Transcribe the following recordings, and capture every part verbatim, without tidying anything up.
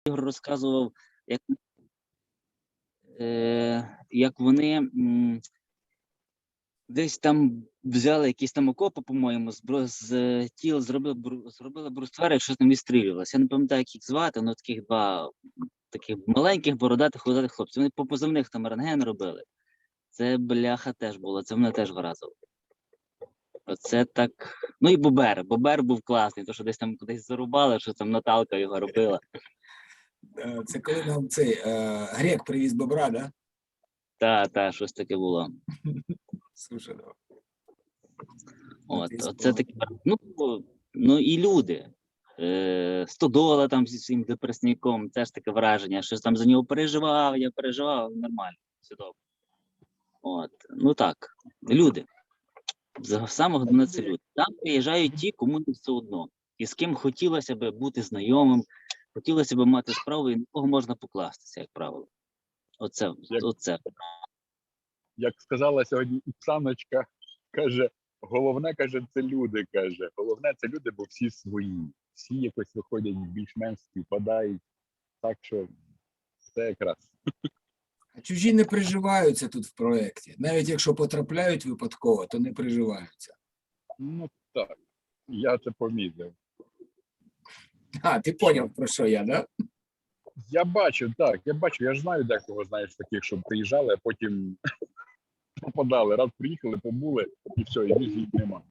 Ігор розказував, як, е, як вони м, десь там взяли якісь там окопи, по-моєму, з, бро- з е, тіл зробили, бру- зробили бруствери, щось там відстрілювалося. Я не пам'ятаю, як їх звати, але таких два таких маленьких, бородатих, худатих хлопців. Вони по позивних там рентген робили. Це бляха теж було, це мене теж вразило. Оце так. Ну і Бобер. Бобер був класний, то що десь там кудись зарубали, що там Наталка його робила. Е, Це коли нам цей е, грек привіз бобра, да? Та, та, щось таке було. Слушай, да. От, Ти оце таке. Ну, ну і люди. Е, Стодола там зі своїм депресником, теж таке враження, що там за нього переживав, я переживав, нормально, все добре. От, ну так, люди. За- Саме головне це люди. Там приїжджають ті, кому не все одно. І з ким хотілося б бути знайомим, хотілося б мати справу, і на кого можна покластися, як правило. Оце, Як- оце. Як сказала сьогодні Оксаночка, каже, головне, каже, це люди, каже. Головне, це люди, бо всі свої. Всі якось виходять більш-менш співпадають. Так що це якраз. А чужі не приживаються тут в проєкті. Навіть якщо потрапляють випадково, то не приживаються. Ну так, я це помітив. А, ти поняв, про що я, да? Я бачу, так, я бачу, я ж знаю декого, знаєш, таких, що приїжджали, а потім попадали. Раз приїхали, побули, і все, і більше їх нема.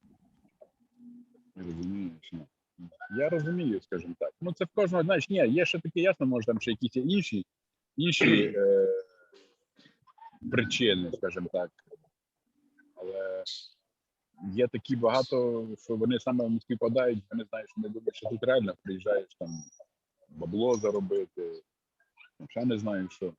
Розумієш? Ну. Я розумію, скажімо так. Ну це в кожного, знаєш, ні, є ще таке ясно, може там ще якісь інші, інші е, причини, скажімо так. Але є такі багато, що вони саме не співпадають, вони знають, що не думають, що тут реально приїжджаєш там бабло заробити, ще не знаю що.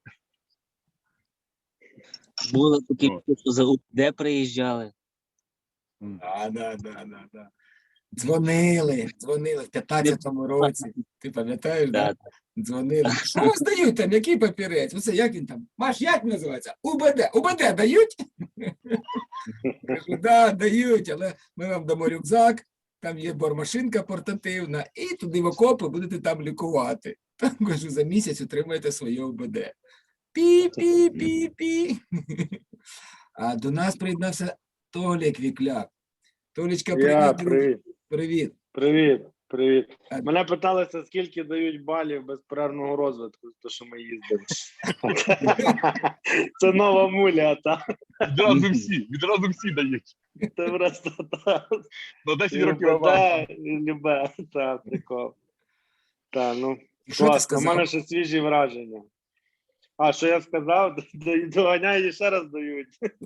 Було такі, О. що за УПД приїжджали. А, да, да, да, да. Дзвонили, дзвонили в п'ятнадцятому році. Ти пам'ятаєш, да? Да. Дзвонили. Що вас дають там? Який папірець? Оце як він там? Маш, як він називається? УБД. УБД дають? Кажу, да, дають, але ми вам дамо рюкзак, там є бормашинка портативна, і туди в окопи будете там лікувати. Там, кажу, за місяць отримаєте своє УБД. Пі-пі-пі-пі. А до нас приєднався Толік Вікляк. Толічка, Я, привіт. друг. привіт. Привіт. Привіт, привіт. А- Мене питалися, скільки дають балів безперервного розвитку, то що ми їздимо. Це нова муля, та. Відразу всі, відразу всі дають. Це просто та. На десять І років авансу. УБД, і любе, та, прикол. Та, ну, І що ти класно, у сказав? мене ще свіжі враження. А, що я сказав? Д- Доганяю і ще раз дають.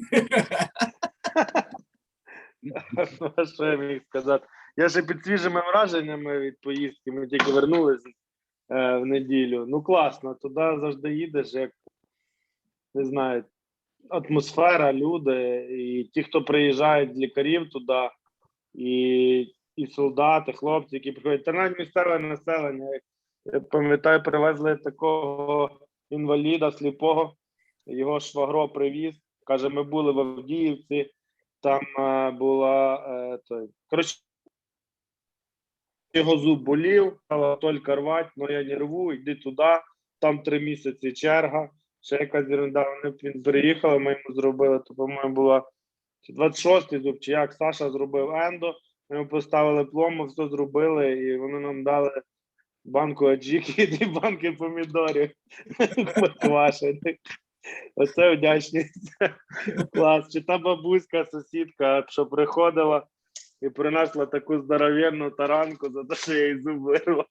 А що я міг сказати? Я ще під свіжими враженнями від поїздки, ми тільки вернулися е, в неділю. Ну класно, туди завжди їдеш, як, не знаю, атмосфера, люди, і ті, хто приїжджають з лікарів туди, і, і солдати, хлопці, які приходять, та навіть місцеве населення. Я пам'ятаю, привезли такого інваліда сліпого, його швагро привіз, каже, ми були в Авдіївці, там е, була, е, той, коротше, його зуб болів, стала тільки рвати, але я не рву, йди туди, там три місяці черга, ще якась ерунда, вони він приїхали, ми йому зробили, то, по-моєму, була двадцять шостий зуб, чи як Саша зробив ендо, ми йому поставили пломбу, все зробили, і вони нам дали банку аджики і дві банки помідорів поквашених. Оце вдячність. Клас. Чи та бабуська, сусідка, що приходила і принесла таку здоровенну таранку за те, що я їй зуб вирвав.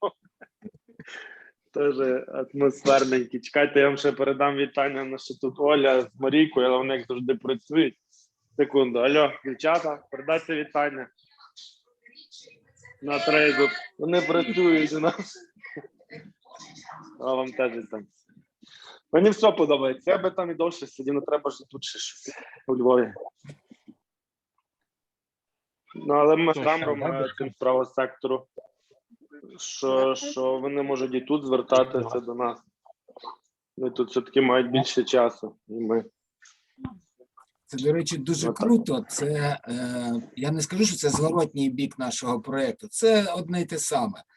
Теж атмосферненький. Чекайте, я вам ще передам вітання, на що тут Оля з Марійкою, але вони завжди працюють. Секунду. Алло, дівчата, передайте вітання. На трейду. Вони працюють у нас. А вам теж вітання. Мені все подобається. Я би там і довше сидів, не треба ж тут ще щось у Львові. Ну, але ми з камером цим правого сектору, що, що вони можуть і тут звертатися до нас. Вони тут все-таки мають більше часу, і ми. Це, до речі, дуже Отак. круто. Це, е, я не скажу, що це зворотній бік нашого проєкту. Це одне й те саме.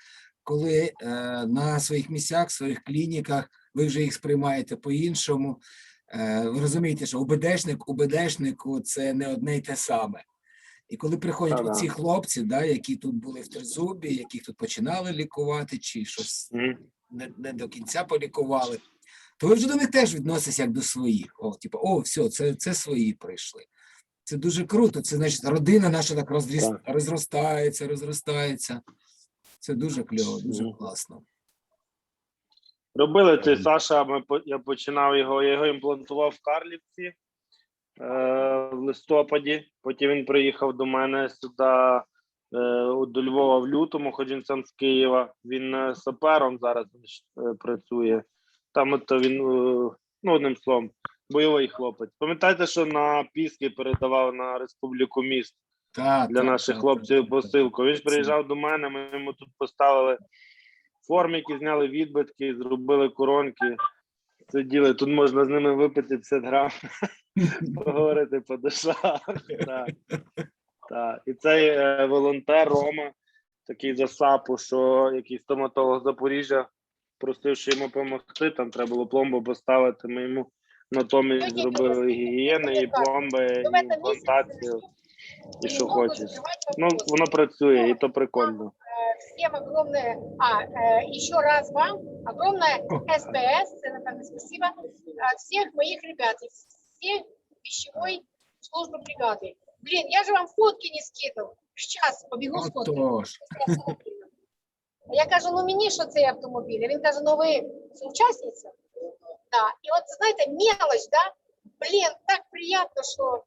коли е, на своїх місцях, своїх клініках ви вже їх сприймаєте по-іншому. Е, ви розумієте, що УБДшник, УБДшнику це не одне й те саме. І коли приходять Та-да. оці хлопці, да, які тут були в Тризубі, яких тут починали лікувати, чи щось Мгм. не, не до кінця полікували, то ви вже до них теж відноситесь як до своїх. О, типу, о, все, це, це свої прийшли. Це дуже круто. Це значить, родина наша так розріс... Так. розростається, розростається. Це дуже кльово, дуже Мгм. класно. Робили цей Саша, ми, по- я починав його, я його імплантував в Карлівці е, в листопаді. Потім він приїхав до мене сюди, е, до Львова в лютому, хоч він сам з Києва. Він е, сапером зараз е, працює. Там от він, е, ну, одним словом, бойовий хлопець. Пам'ятаєте, що на Піски передавав на Республіку міст Та, для та, наших та, хлопців та, та, та. посилку? Він ж приїжджав до мене, ми йому тут поставили формики, зняли відбитки, зробили коронки, сиділи, тут можна з ними випити п'ятдесят грам, поговорити по душах. Так. Так. І цей е, волонтер Рома, такий за САПу, що який стоматолог з Запоріжжя, просив, що йому допомогти, там треба було пломбу поставити, ми йому натомість зробили і гігієни, і пломби, і імплантацію, і що хочеш. Ну, воно працює, і то прикольно. Всем огромное, а, э, еще раз вам огромное СПС, это, наверное, спасибо от всех моих ребят, из всей пищевой службы бригады. Блин, я же вам фотки не скидывал. Сейчас побегу з фотками. Отож. Я кажу, ну мені що цей автомобіль? А він каже, ну ви соучасниця? Да. І от, знаєте, мелочь, да? Блін, так приємно, що...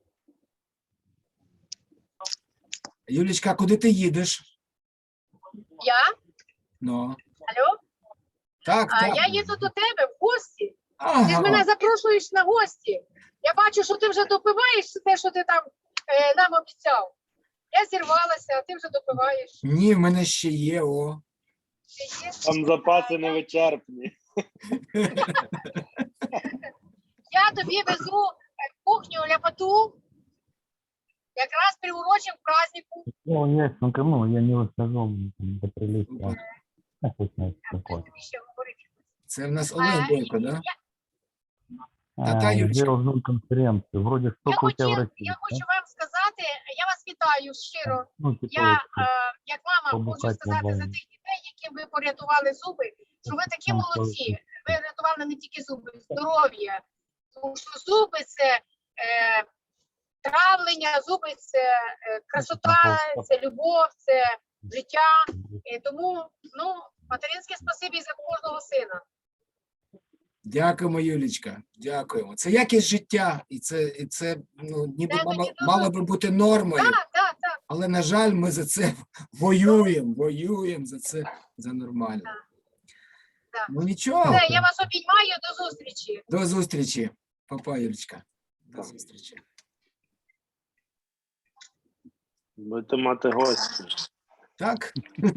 Юлічка, куди ти їдеш? Я? Ну. Алло? Так, А, так. я їду до тебе в гості. Ти ж Ага. мене запрошуєш на гості. Я бачу, що ти вже допиваєш те, що ти там е, нам обіцяв. Я зірвалася, а ти вже допиваєш. Ні, в мене ще є, о. Ти є? Там запаси невичерпні. Я тобі везу е, кухню ляпоту, якраз приурочим к празднику. Ну, ясненько, ну, я не выхожу, там, до приличия. Ну, пусть знает, Що какой. тобі ще говорити? Це в нас Олег А, Бойко, да? я- Та-та, А, Юлечка. сделал зум конференцию. Вроде Я, сколько у тебя в хотів, России? я да? хочу вам сказати, я вас вітаю щиро. Ну, типа Я, вот, е, як мама, хочу побухати сказати за нормально. тих дітей, яким ви порятували зуби, що ви такі Там молодці. Ви рятували не тільки зуби, здоров'я. Тому що зуби це е, травлення, зуби це е, красота, це любов, це життя. І тому, ну, материнське спасибі за кожного сина. Дякуємо, Юлічка. Дякуємо. Це якість життя, і це, і це ну, ніби Дай мало, мені мало би бути нормою. Так, так, так. Але, на жаль, ми за це воюємо, воюємо за це, за нормально. Так. Ну нічого, Все, я вас обіймаю, до зустрічі. до зустрічі. Папа, Юлічка. До зустрічі. Будете мати гості. Так?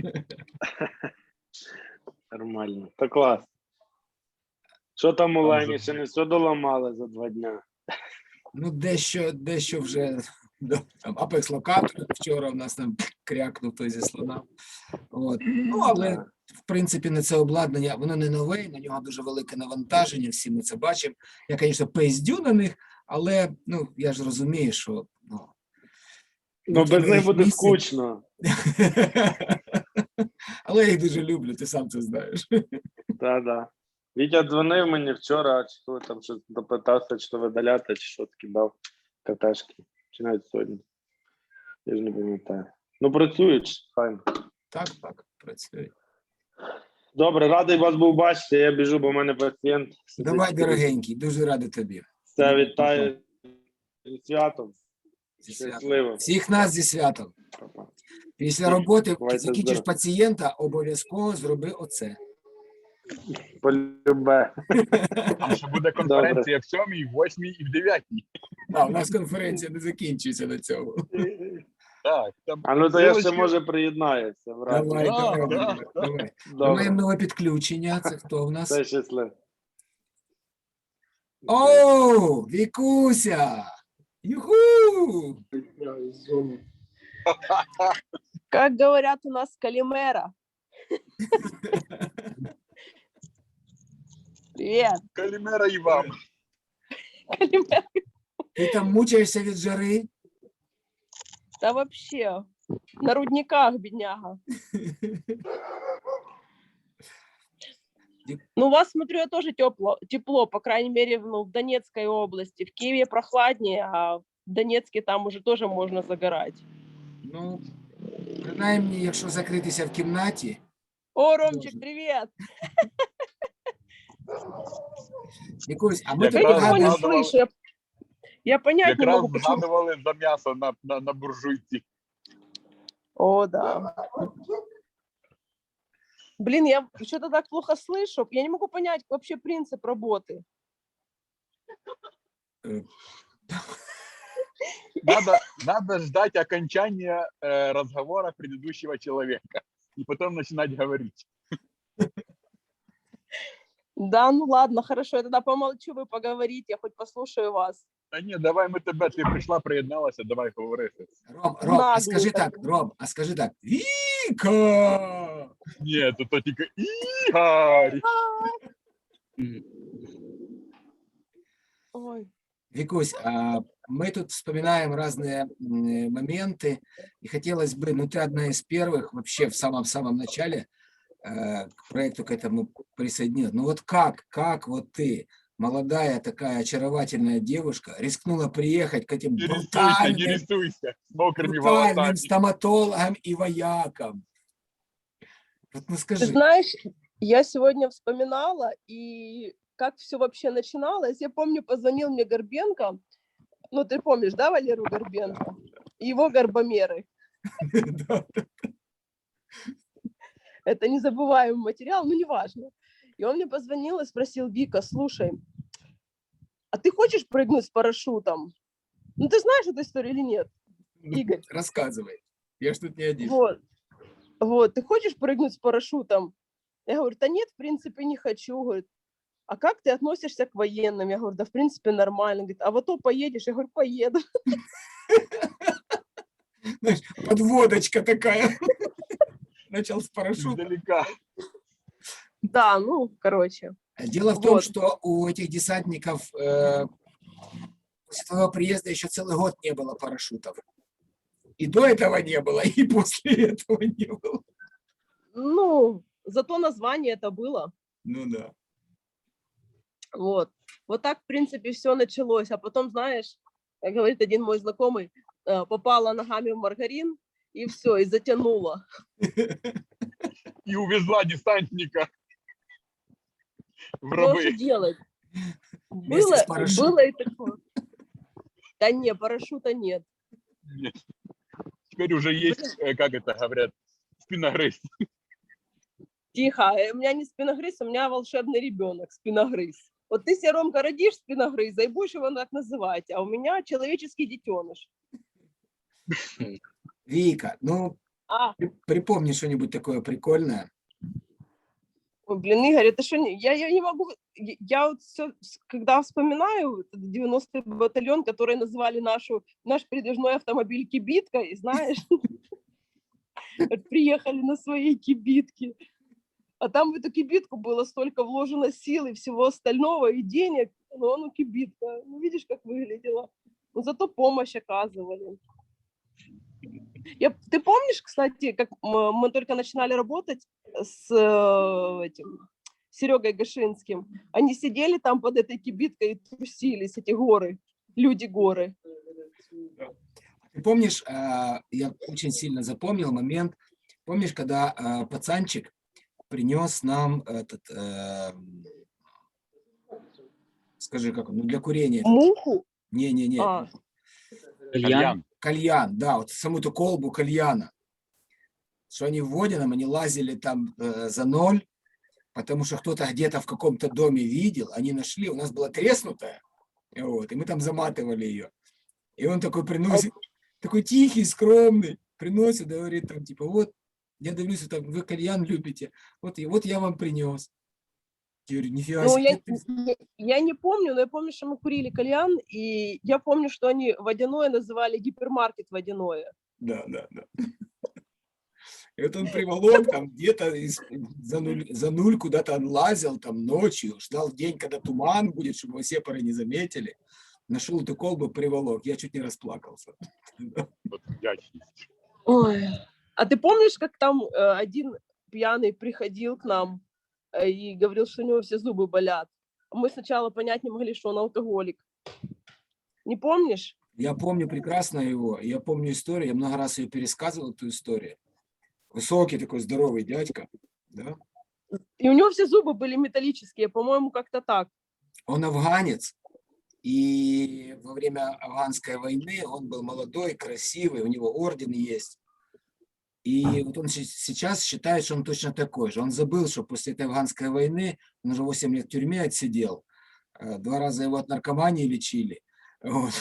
Нормально. Та клас. Що там у Лені? Ще не все доламали за два дня. Ну, дещо, дещо вже да, там Apex Locator вчора в нас там крякнув той зі слона. От. Ну, але в принципі на це обладнання, воно не нове, на нього дуже велике навантаження, всі ми це бачимо. Я, звісно, пиздю на них, але ну, я ж розумію, що ну, Ну, без них буде місяць. скучно. Але я їх дуже люблю, ти сам це знаєш. Так-да. Вітя дзвонив мені вчора, чи коли там щось допитався, чи то видаляти, чи що таки дав катешки. Чи навіть сьогодні. Я ж не пам'ятаю. Ну, працюють, файно. Так, так, працює. Добре, радий вас був бачити. Я біжу, бо в мене пацієнт. сидить. Давай, дорогенький, дуже радий тобі. Все, вітаю зі святом. Зі святом. Щасливо. Всіх нас зі святом. Па-па. Після роботи Бувайте закінчиш здорові. пацієнта, обов'язково зроби оце. Полюбе. Там ще буде конференція в сьомій, в восьмій і в дев'ятій. А, у нас конференція не закінчується на цьому. Так, там А ну то я ще Силочки. може приєднаюся. в разі. Давай, Да, давай, да, давай, да. давай. Ми Добре. маємо нове підключення. Це хто в нас? Все щасливо. О, Вікуся! Юху! Как говорят у нас, Калимера. Привет. Калімера і вам. Калимер. Ти там мучаєшся від жари? Да вообще, на рудниках, бедняга. Ну, у вас, смотрю, я тоже тепло, тепло, по крайней мере, ну, в Донецкой области. В Киеве прохладнее, а в Донецке там уже тоже можно загорать. Ну, принаймні, якщо закритися в кімнаті, О, Ромчик, привет! якось, а ми Як тут Я раз ничего не згадуємо, згадували- слышу. Я, я понять не Якраз могу, почему. згадували за м'ясо на, на, на буржуйці. О, да. Блин, я что-то так плохо слышу. Я не могу понять вообще принцип работы. Надо, надо ждать окончания э, разговора предыдущего человека. И потом начинать говорить. Да, ну ладно, хорошо, я тогда помолчу, вы поговорите, я хоть послушаю вас. Та ні, давай ми тебе, ти прийшла, приєдналася, давай говорити. Ром, Ром, а Наглый скажи такой. так, Ром, а скажи так, Віка! Ні, то, то тільки Ігор. Мгм. Ой. Викусь, а мы тут вспоминаем разные м, моменты, и хотелось бы, ну ты одна из первых вообще в самом-самом начале э, к проекту к этому присоединилась. Ну вот как, как вот ты, молодая такая очаровательная девушка, рискнула приехать к этим Не рисуйся, не брутальным, рисуйся. З мокрими брутальным волосами. стоматологам и воякам? Вот ну Ты скажи, знаешь, я сегодня вспоминала, и как все вообще начиналось. Я помню, позвонил мне Горбенко, ну ты помнишь, да, Валеру Горбенко? И его горбомеры. да, Это незабываемый материал, ну неважно. И он мне позвонил и спросил: Вика, слушай, а ты хочешь прыгнуть с парашютом? Ну ты знаешь эту историю или нет, ну, Игорь? рассказывай, я ж тут не один. Вот. Вот, ты хочешь прыгнуть с парашютом? Я говорю, да нет, в принципе, не хочу. Говорит, а как ты относишься к военным? Я говорю, да в принципе нормально. Говорит, а в АТО поедешь? Я говорю, поеду. Знаешь, подводочка такая. Начал с парашюта. Издалека. Да, ну, короче. Дело в том, Вот. что у этих десантников э, после твоего приезда еще целый год не было парашютов. И до этого не было, и после этого не было. Ну, зато название это было. Ну да. Вот. Вот так, в принципе, все началось. А потом, знаешь, как говорит один мой знакомый, э, попала ногами в маргарин, и все, и затянула. И увезла десантника в Что же рабы. делать? Вместе Было, с парашютом. было и такое. Да не, парашюта нет. Нет. Теперь уже есть, э, как это говорят, спиногрыз. Тихо, э, у меня не спиногрыз, у меня волшебный ребенок, спиногрыз. Вот ты себе, Ромка, родишь спиногрыза и будешь его так называть, а у меня человеческий детеныш. Вика, ну А, при- припомни что-нибудь такое прикольное. ой, блин, Игорь, это что, не- я, я не могу, я, я вот все, когда вспоминаю этот девяностый батальон, который называли нашу, наш передвижной автомобиль кибиткой, знаешь, вот приехали на своей кибитке, а там в эту кибитку было столько вложено сил и всего остального, и денег, но ну кибитка, ну видишь, как выглядела, но зато помощь оказывали. Я, ты помнишь, кстати, как мы, мы только начинали работать с э, этим Серегой Гашинским? Они сидели там под этой кибиткой и трусились, эти горы, люди-горы. Ты помнишь, а, я очень сильно запомнил момент, помнишь, когда а, пацанчик принес нам этот, э, скажи, как он, ну для курения. Муху? Не-не-не, А, Кальян. кальян, да, вот саму эту колбу кальяна. Что они вводят нам, они лазили там э, за ноль, потому что кто-то где-то в каком-то доме видел, они нашли, у нас была треснутая, вот, и мы там заматывали ее. И он такой приносит, такой тихий, скромный, приносит, говорит там, типа, вот, я дивлюсь, там, вы кальян любите, вот, и вот я вам принес. Я говорю, нифига ну, себе, я, ты- я, я не помню, но я помню, что мы курили кальян, и я помню, что они водяное называли гипермаркет водяное. Да, да, да. И вот он приволок там где-то из- за, нуль, за нуль куда-то он лазил там ночью, ждал день, когда туман будет, чтобы его сепары не заметили. Нашел эту колбу, приволок. Я чуть не расплакался. От вдячність. Ой. А ты помнишь, как там э, один пьяный приходил к нам э, и говорил, что у него все зубы болят? Мы сначала понять не могли, что он алкоголик. Не помнишь? Я помню прекрасно его. Я помню историю. Я много раз ее пересказывал, эту историю. Высокий такой здоровый дядька. Да? И у него все зубы были металлические, по-моему, как-то так. Он афганец. И во время афганской войны он был молодой, красивый, у него орден есть. И вот он щи- сейчас считает, что он точно такой же. Он забыл, что после этой афганской войны, он уже восемь лет в тюрьме отсидел, э, два раза его от наркомании лечили. Вот.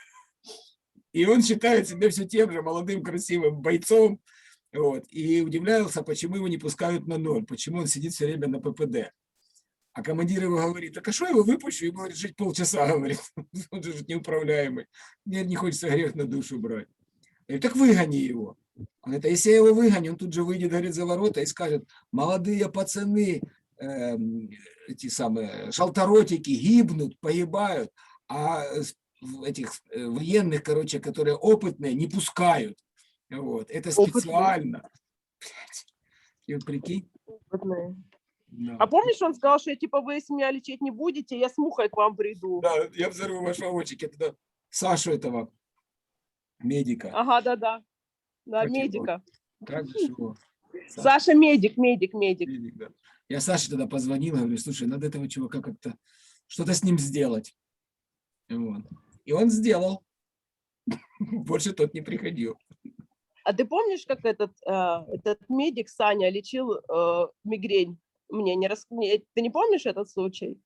И он считает себя все тем же молодым, красивым бойцом. Вот. И удивлялся, почему его не пускают на ноль, почему он сидит все время на ППД. А командир его говорит, так а что его выпущу? Ему говорит, жить полчаса, говорит. Он же неуправляемый. Мне не хочется грех на душу брать. Я говорю, так выгони его. Он говорит, а если я его выгоню, он тут же выйдет, говорит, за ворота и скажет, молодые пацаны, эм, эти самые шалторотики гибнут, погибают, а с- в этих э, военных, короче, которые опытные, не пускают. Вот. Это Опытные. специально. Блядь. И вот прикинь. Опытные. Да. А помнишь, он сказал, что типа вы если меня лечить не будете, я с мухой к вам приду. Да, я взорву ваш вагончик. Я тогда Сашу этого медика. Ага, да-да. Да, Как его? медика. Как же его? Саша, Саша медик, медик, медик. медик, да. Я Саше тогда позвонил, говорю, слушай, надо этого чувака как-то, что-то с ним сделать. Вот. И он сделал. Больше тот не приходил. А ты помнишь, как этот, э, этот медик Саня лечил э, мигрень? Мне не рас... не- Ты не помнишь этот случай?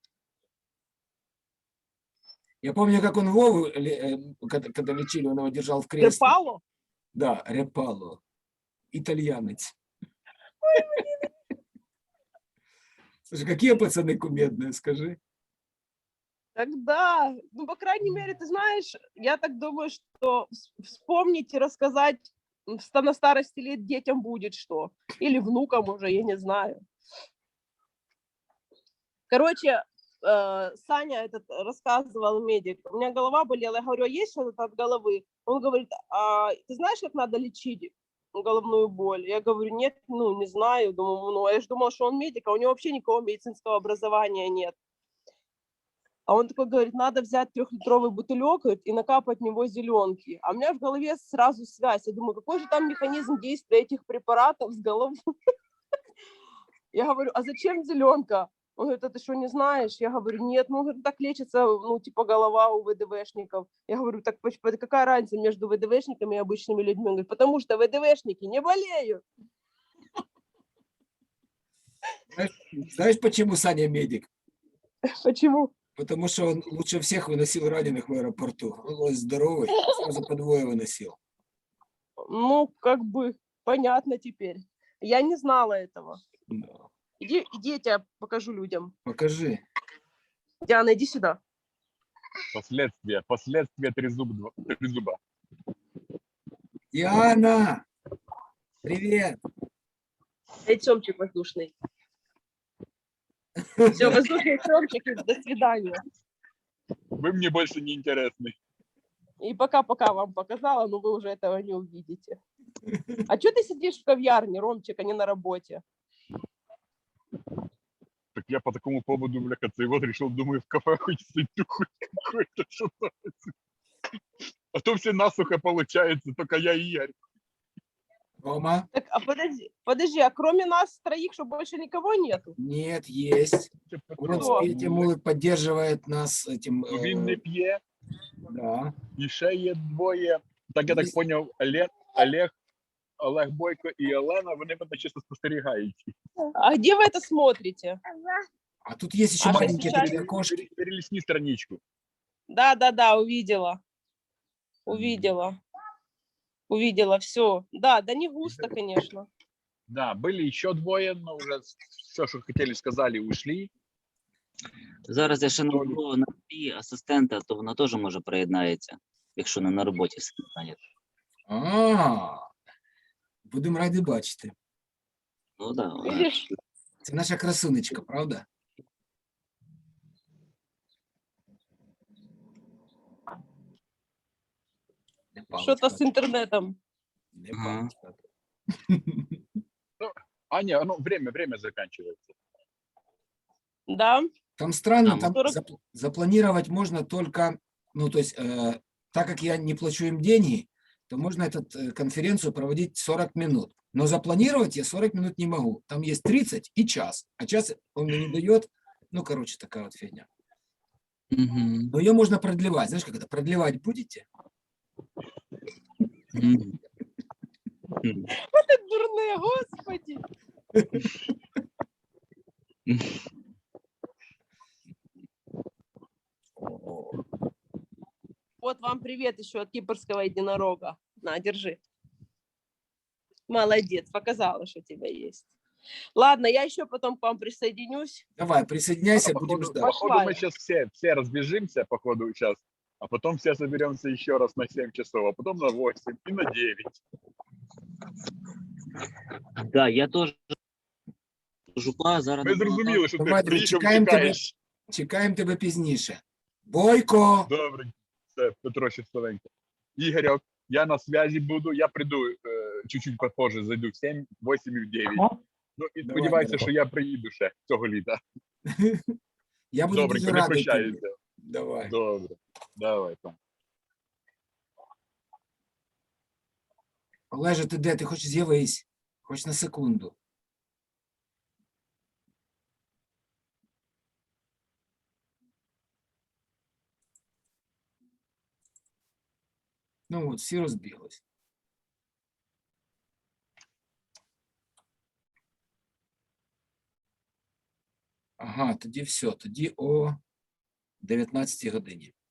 Я помню, как он Вову, ле- э, когда, когда лечили, он его держал в кресле. Трепало? Да, Репало. Итальянец. Слушай, какие пацаны кумедные, скажи. Тогда, ну, по крайней мере, ты знаешь, я так думаю, что вс- вспомнить и рассказать м, ста- на старости лет детям будет что. Или внукам уже, я не знаю. Короче, э, Саня этот рассказывал, медик, у меня голова болела, я говорю, а есть что-то от головы? Он говорит, а ты знаешь, как надо лечить головную боль? Я говорю, нет, ну, не знаю. Думаю, ну, я же думала, что он медик, а у него вообще никакого медицинского образования нет. А он такой говорит, надо взять трехлитровый бутылек говорит, и накапать в него зеленки. А у меня в голове сразу связь. Я думаю, какой же там механизм действия этих препаратов с головой? Я говорю, а зачем зеленка? Он говорит, а ты что, не знаешь? Я говорю, нет, ну, говорит, так лечится, ну, типа, голова у ВДВшников. Я говорю, так поч- какая разница между ВДВшниками и обычными людьми? Он говорит, потому что ВДВшники не болеют. Знаешь, знаешь, почему Саня медик? Почему? Потому что он лучше всех выносил раненых в аэропорту. Он был здоровый, сразу по двое выносил. Ну, как бы, понятно теперь. Я не знала этого. Да. Иди, иди, я тебя покажу людям. Покажи. Диана, иди сюда. Последствия. Последствия трезуб, трезуба. Диана! Привет! Эй, Тёмчик воздушный. Все, воздушный Тёмчик, и до свидания. Вы мне больше не интересны. И пока-пока вам показала, но вы уже этого не увидите. А что ты сидишь в кав'ярне, Ромчик, а не на работе? Так я по такому поводу, бляха, цей вот решил, думаю, в кафе хоть сойду, хоть какой-то что-то. А то все насухо получается, только я и Ярик. Рома? Так, а подожди, подожди, а кроме нас троих, что больше никого нету? Нет, есть. Вот Кто? Спирити Мулик поддерживает нас этим. Ну, він не э, п'є, Да. і ще є двоє. Так я так Є- поняв, Олег, Олег, Олег Бойко і Олена, вони мене чисто спостерігають. А где вы это смотрите? А тут есть еще А что маленькие сейчас? такие окошки. Перелісні страничку. Да, да, да, увидела. Увидела. Увидела, все. Да, да не густо, конечно. Да, были ще двоє, но вже все, що хотіли, сказали, ушли. Зараз я ще наберу на дві асистента, то вона теж може приєднається, якщо не на роботі сидить. А, Будемо раді бачити. Ну да, вона Видишь? ж- Це наша красунечка, правда? Не Что-то с палочка, интернетом. не Ага. палочка. А, ні, ну, время, время закінчується. Да? Там странно, Там там сорок зап- запланировать можно только, ну, то есть, э, так как я не плачу им деньги, то можно эту конференцию проводить сорок минут. Но запланировать я сорок минут не могу. Там есть тридцать и час. А час он мне не дает. Ну, короче, такая вот фигня. Мгм. Но ее можно продлевать. Знаешь, как это? Продлевать будете? Мгм. Мгм. Ты дурные, господи. Вот вам привет еще от кипрского единорога. На, держи. Молодец, показала, что у тебя есть. Ладно, я еще потом к вам присоединюсь. Давай, присоединяйся, А будем походу, ждать. походу Пошла мы я. сейчас все, все разбежимся, походу, сейчас, а потом все соберемся еще раз на семь часов, а потом на восемь и на девять. Да, я теж жупа, зараз Ми на молоток. зрозуміли, що ти Давайте, приїхав, чекаємо тебе. тікаєш. Чекаємо тебе пізніше. Бойко! Добре, все, Петро щасливенько. Ігорьок, я на связі буду, я прийду е, чуть-чуть попозже, зайду в сім, восемь і в дев'ять. О, Ну, і Давай, сподіваюся, давай. що я приїду ще цього літа. Я буду Добренько, дуже не радий тобі. прощаюся. Давай. Добре, давай там. Олеже, ти де? Ти хоч з'явись? Хоч на секунду. Ну от, всі розбіглись. Ага, тоді все. Тоді о дев'ятнадцятій годині.